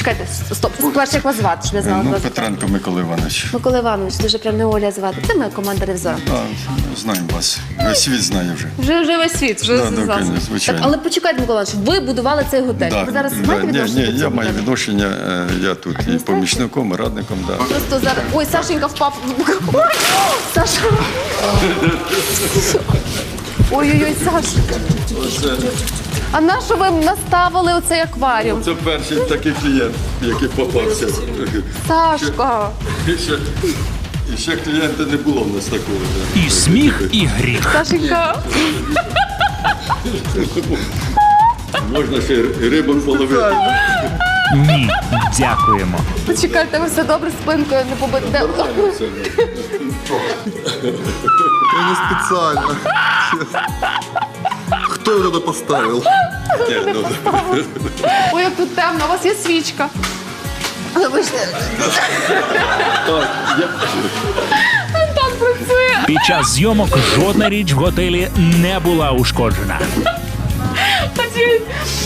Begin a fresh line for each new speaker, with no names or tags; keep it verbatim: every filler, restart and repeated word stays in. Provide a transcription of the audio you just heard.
Почекайте, стоп. Спершу, як вас звати, щоб я знала.
Ну,
вас.
Петренко Микола Іванович.
Микола Іванович, дуже прям не Оля звати. Це моя команда ревізора.
А, знаємо вас. Весь світ знає вже.
Вже, вже весь світ, вже
Да, да,
зв'язався.
конечно, звичайно.
Так, але почекайте, Микола Іванович, ви будували цей готель.
Да,
Ви зараз
да,
маєте
ні,
відношення
ні,
до
я
цього
маю
готелю?
відношення, е, я тут і помічником, і радником. Да.
Просто зараз... Ой, Сашенька впав. Ой, Саша. Ой-ой-ой, Саша. А на що ви наставили оцей акваріум?
Це перший такий клієнт, який попався.
Сашка.
І ще, і ще клієнта не було в нас такого. Да.
І сміх, і гріх.
Сашенька.
Можна ще й рибок половити.
Ні, дякуємо.
Почекайте, ви все добре спинкою не побите.
Я не специально. Кто его туда поставил?
Ні, ну,
Ой, як тут темно, у вас є свічка. Вибачте. Так працює.
Під час зйомок жодна річ в готелі не була ушкоджена.
Ходіть.